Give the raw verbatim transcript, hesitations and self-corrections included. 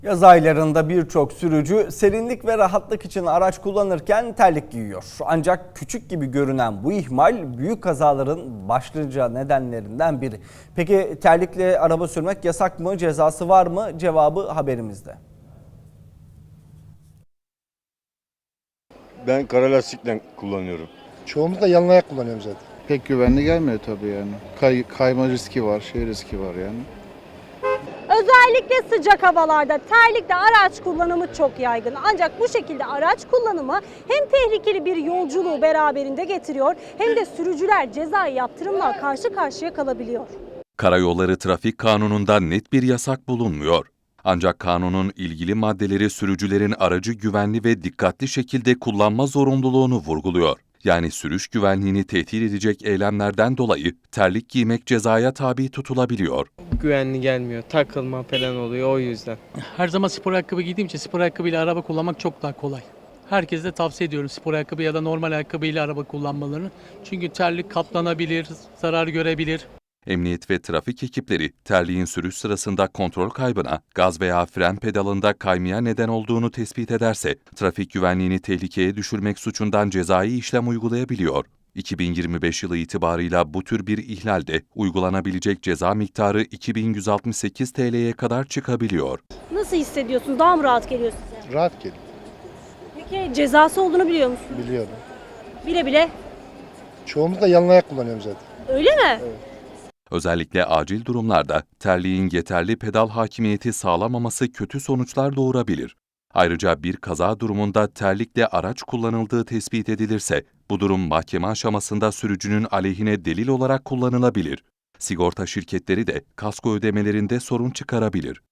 Yaz aylarında birçok sürücü serinlik ve rahatlık için araç kullanırken terlik giyiyor. Ancak küçük gibi görünen bu ihmal büyük kazaların başlıca nedenlerinden biri. Peki terlikle araba sürmek yasak mı, cezası var mı? Cevabı haberimizde. Ben kara lastikle kullanıyorum. Çoğumuz da yalın ayak kullanıyoruz zaten. Pek güvenli gelmiyor tabii yani. Kay, kayma riski var, şey riski var yani. Özellikle sıcak havalarda terlikle araç kullanımı çok yaygın. Ancak bu şekilde araç kullanımı hem tehlikeli bir yolculuğu beraberinde getiriyor hem de sürücüler cezai yaptırımla karşı karşıya kalabiliyor. Karayolları Trafik Kanunu'nda net bir yasak bulunmuyor. Ancak kanunun ilgili maddeleri sürücülerin aracı güvenli ve dikkatli şekilde kullanma zorunluluğunu vurguluyor. Yani sürüş güvenliğini tehdit edecek eylemlerden dolayı terlik giymek cezaya tabi tutulabiliyor. Güvenli gelmiyor. Takılma falan oluyor o yüzden. Her zaman spor ayakkabı giydiğim için spor ayakkabıyla araba kullanmak çok daha kolay. Herkese de tavsiye ediyorum spor ayakkabı ya da normal ayakkabıyla araba kullanmalarını. Çünkü terlik katlanabilir, zarar görebilir. Emniyet ve trafik ekipleri terliğin sürüş sırasında kontrol kaybına, gaz veya fren pedalında kaymaya neden olduğunu tespit ederse, trafik güvenliğini tehlikeye düşürmek suçundan cezai işlem uygulayabiliyor. iki bin yirmi beş yılı itibarıyla bu tür bir ihlalde uygulanabilecek ceza miktarı iki bin yüz altmış sekiz T L'ye kadar çıkabiliyor. Nasıl hissediyorsunuz? Daha mı rahat geliyor size? Rahat geliyor. Peki cezası olduğunu biliyor musunuz? Biliyorum. Bile bile. Çoğumuz da yalın ayak kullanıyoruz zaten. Öyle mi? Evet. Özellikle acil durumlarda terliğin yeterli pedal hakimiyeti sağlamaması kötü sonuçlar doğurabilir. Ayrıca bir kaza durumunda terlikle araç kullanıldığı tespit edilirse, bu durum mahkeme aşamasında sürücünün aleyhine delil olarak kullanılabilir. Sigorta şirketleri de kasko ödemelerinde sorun çıkarabilir.